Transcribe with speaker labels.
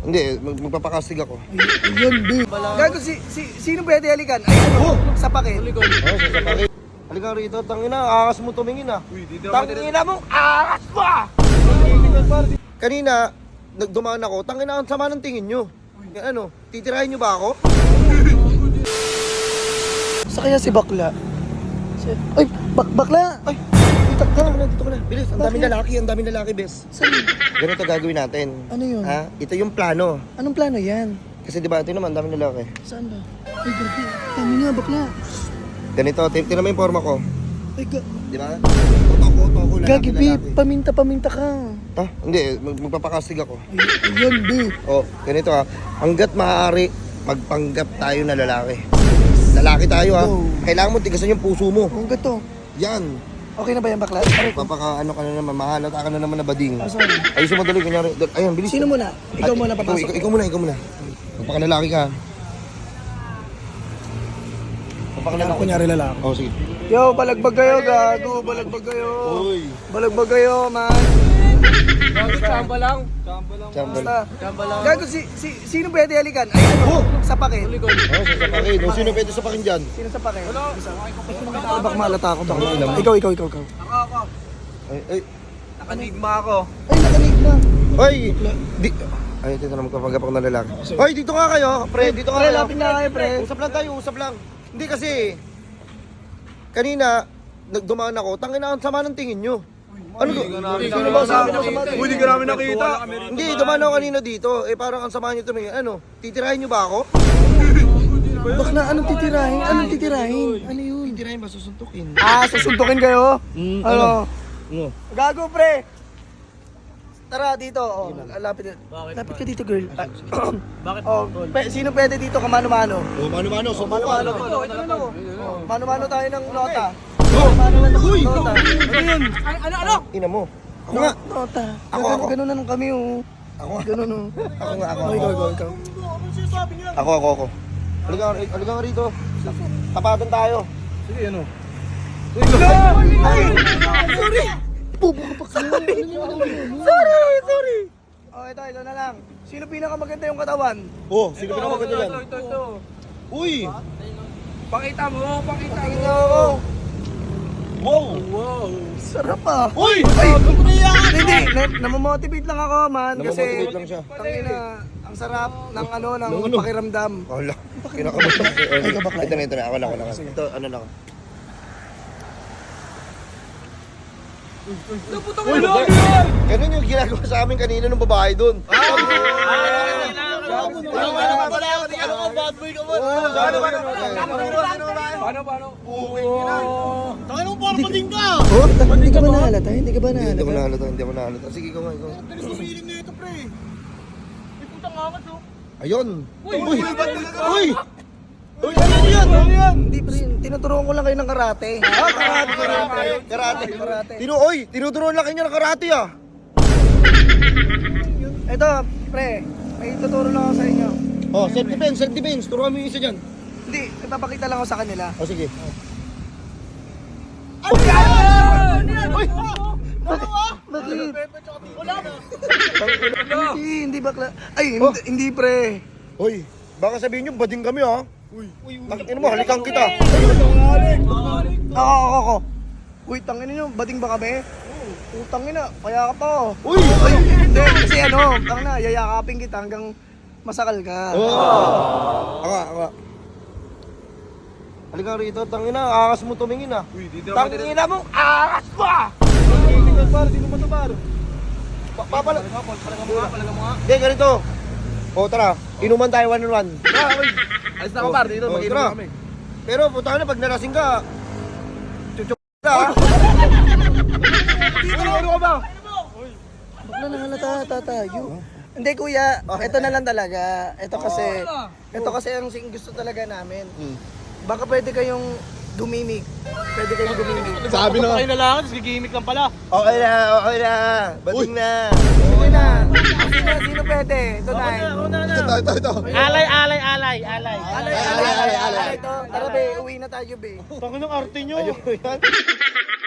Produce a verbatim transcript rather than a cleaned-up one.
Speaker 1: Hindi, mag magpapakastig ako.
Speaker 2: Ayun, B. Gago, si, si, sino pwede halikan? Ay, ano? Sa pakin.
Speaker 1: Oo, oh, sasapakit. Halika rito, tangina, akas mo tumingin ah. Tangina mo, akas mo ah! Kanina, nagdumaan ako, tangina, ang sama ng tingin nyo. Yan, ano, titirahin nyo ba ako?
Speaker 2: Sa kaya si Bakla? Si... Ay, bak bakla!
Speaker 1: Ay, dito ka na, dito ka na. Bilis, ang daming
Speaker 2: Bakit?
Speaker 1: lalaki, ang daming lalaki, bes.
Speaker 2: Saan?
Speaker 1: Ganito gagawin natin.
Speaker 2: Ano yun?
Speaker 1: Ha? Ito yung plano.
Speaker 2: Anong plano yan?
Speaker 1: Kasi di ba, ito naman, ang daming lalaki.
Speaker 2: Saan ba? Ay, grabe. Tama nga, bakla.
Speaker 1: Ganito, tin- tinan mo yung forma ko.
Speaker 2: Ay, ga...
Speaker 1: Di ba? Totoko, totoko, lalaki,
Speaker 2: Gagi, B.
Speaker 1: lalaki.
Speaker 2: Paminta-paminta ka.
Speaker 1: Ha? Hindi, mag magpapakastig ako.
Speaker 2: Ay, ayun, B.
Speaker 1: Oh, ganito ha. Hanggat maaari, magpanggap tayo na lalaki. Lalaki tayo ha.
Speaker 2: Go.
Speaker 1: Kailangan mo tigasan yung puso mo.
Speaker 2: Kung gato.
Speaker 1: Yan.
Speaker 2: Okay na ba yan, bakla? Aray ko.
Speaker 1: Papaka ano ka na naman, mahalata ka na naman na bading.
Speaker 2: Ah, sorry.
Speaker 1: Ayusin mo dali, kunyari. Dal- Ayun, bilis.
Speaker 2: Sino muna? Ikaw
Speaker 1: Ay,
Speaker 2: muna
Speaker 1: ikaw,
Speaker 2: papasok.
Speaker 1: ikaw, ikaw muna, ikaw muna. Magpakalalaki ka. Magpakalalaki.
Speaker 2: Kunyari lalaki.
Speaker 1: Oh, sige.
Speaker 2: Yo, balagbag kayo, gago. Balagbag kayo.
Speaker 1: Uy.
Speaker 2: Balagbag kayo, man.
Speaker 3: Chamba lang.
Speaker 1: Chambal.
Speaker 2: Basta.
Speaker 3: Chamba lang.
Speaker 2: Gago, si, si, sino pwede halikan? Ay, ano? Sa pakin.
Speaker 1: Oh, sasapakin. Oh, sino pwede sapakin dyan?
Speaker 2: Sino sa pakin? Ay, baka malata ako. Baka malata. Ikaw, ikaw, ikaw, ikaw.
Speaker 3: Ako, ako.
Speaker 1: Ay, ay.
Speaker 3: Nakanigma ako.
Speaker 2: Ay, nakanig na.
Speaker 1: Ay! Di... Ay, dito na magpapagapang na lalaki. Ay, dito nga kayo. Pre, dito nga
Speaker 2: Pre,
Speaker 1: kayo.
Speaker 2: lapit na kayo, pre.
Speaker 1: Usap lang tayo, usap lang. Hindi kasi, kanina, nagdumaan ako, tangina ang sama ng tingin nyo. Ano to?
Speaker 2: Sino ba sabi ng sama?
Speaker 3: Uy, di ka namin nakita.
Speaker 1: Hindi, dumaan ako kanina dito. Eh, parang ang sama nyo tumingin. Ano, titirahin nyo ba ako?
Speaker 2: Bakla, anong titirahin? Anong titirahin? Ano yun?
Speaker 1: Titirahin ba, susuntukin?
Speaker 2: Ah, susuntukin kayo?
Speaker 1: Mm,
Speaker 2: Ano?
Speaker 1: Ano?
Speaker 2: Gago, pre. Tara, dito. Oh, lapit. Lapit ka dito, girl. Ah,
Speaker 3: Bakit?
Speaker 2: oh, pe, sino pwede dito kamano-mano?
Speaker 1: Oh, mano-mano, subukan.
Speaker 2: Mano-mano.
Speaker 3: Ito, ito na ako.
Speaker 2: Oh, mano-mano tayo ng nota.
Speaker 1: Oh!
Speaker 2: Mano-mano
Speaker 1: Uy!
Speaker 2: ng nota.
Speaker 1: Ano yun?
Speaker 3: Ay, ano, ano?
Speaker 1: Ina mo. Ako nga.
Speaker 2: Nota.
Speaker 1: Ako,
Speaker 2: Ganun-
Speaker 1: ako.
Speaker 2: Ganun na nung kami, oh.
Speaker 1: Ako nga.
Speaker 2: Ganun, oh.
Speaker 1: Ako nga, ako.
Speaker 2: Oh, ikaw, ikaw, ikaw.
Speaker 1: Ako, ako, ako. Halika, halika nga rito. Tapatan tayo.
Speaker 3: Sige, ano?
Speaker 2: Ay! Sorry! Pupo ka pa kayo. Sorry, sorry. Oh, ito, ito na lang. Sino pinakamaganda yung katawan?
Speaker 1: Oh, sino pinamaganda yan?
Speaker 3: Ito, ito, ito.
Speaker 1: Uy!
Speaker 3: Pakita mo, pakita mo.
Speaker 2: Tingnan ako.
Speaker 1: Wow!
Speaker 3: Wow.
Speaker 2: Sarap ah.
Speaker 1: Uy!
Speaker 2: Ay, hindi, na, namomotivate lang ako, man. Kasi,
Speaker 1: Namomotivate lang siya.
Speaker 2: tangina, ang sarap ng ano, ng
Speaker 1: Ng ano?
Speaker 2: pakiramdam.
Speaker 1: Wala. Kinakabahan ako.
Speaker 2: Ay, ka bakla.
Speaker 1: Ito na, ito na. Ako na, ako na. Ito, ano na ako.
Speaker 3: Naputang mo lang yan.
Speaker 1: Ganun yung ginagawa sa amin kanina ng babae doon. Ah!
Speaker 3: Bad boy ka mo. Paano, paano? Tangin mo, parang pating ka.
Speaker 2: Oh, hindi ka ba nahalata? Hindi ka ba
Speaker 1: Hindi
Speaker 2: nahalata?
Speaker 1: ko nahalata, hindi ko nahalata. Sige, ikaw nga, ikaw.
Speaker 3: Bilis mo feeling na ito, pre. May putang angas, oh.
Speaker 1: Ayun!
Speaker 3: Uy,
Speaker 1: Uy!
Speaker 3: ba't talaga?
Speaker 1: Uy! Uy, ano yan? Ano yan?
Speaker 2: Hindi, pre. Tinuturuan ko lang kayo ng karate.
Speaker 1: Ah, karate, karate. Karate.
Speaker 2: Karate.
Speaker 1: Tinu, oy, tinuturuan lang kayo ng karate ah.
Speaker 2: Ito, pre. May tuturo lang ako sa inyo.
Speaker 1: Oh, self defense, self defense. Turuan mo yung isa dyan.
Speaker 2: Hindi, ipapakita lang ako sa kanila.
Speaker 1: Oh, sige.
Speaker 2: Ano yan?
Speaker 1: Uy!
Speaker 2: Bakit?
Speaker 3: Wala.
Speaker 2: Hindi, hindi bakla. Ay, hindi, hindi pre.
Speaker 1: Uy, baka sabihin nyo, bading kami ah. Uy, tangin mo, halikan kita.
Speaker 2: Ako, ako, ako. Uy, tangin nyo, bading ba kami? Utangin na, kaya ka pa. oh.
Speaker 1: Uy!
Speaker 2: Ay, hindi, kasi ano, tangin na, yayakapin kita hanggang masakal ka.
Speaker 1: Oh. Ako, ako. Halika rito, tangin na, akas mo tumingin ah.
Speaker 3: Uy, di daw.
Speaker 1: Tangin na mo, akas mo ah!
Speaker 3: Tingnan par, di mo matabar.
Speaker 1: Pa- Papala...
Speaker 3: Palaga mo nga, palaga mo nga.
Speaker 1: Hindi, ganito. O, tara, inuman tayo one on one.
Speaker 3: Ah, uy. Alis na ako, par. Dito,
Speaker 1: Oh,
Speaker 3: mag-inom
Speaker 1: tara.
Speaker 3: na kami.
Speaker 1: Pero, puta na, pag nalasing ka, chuchup ka ah.
Speaker 3: Dito, ano ka ba?
Speaker 2: Bakla na halata, tatayo. Hindi kuya, ito na lang talaga. Ito kasi, ito kasi ang sing- gusto talaga namin.
Speaker 1: Hmm.
Speaker 2: Baka pwede kayong gumimik. Pwede kayong gumimik.
Speaker 3: Sabi na. Kayo na lang, tapos gigimik lang pala.
Speaker 1: Okay na, okay na. Bading na.
Speaker 2: Sige na. Sino, sino pwede? Ito na.
Speaker 1: Ito, ito, ito.
Speaker 3: Alay, alay, alay, alay.
Speaker 2: Alay, alay, alay, alay. Ito, tara be, uwi na tayo be.
Speaker 3: Tangin ng arte nyo.
Speaker 1: Ayun, yan.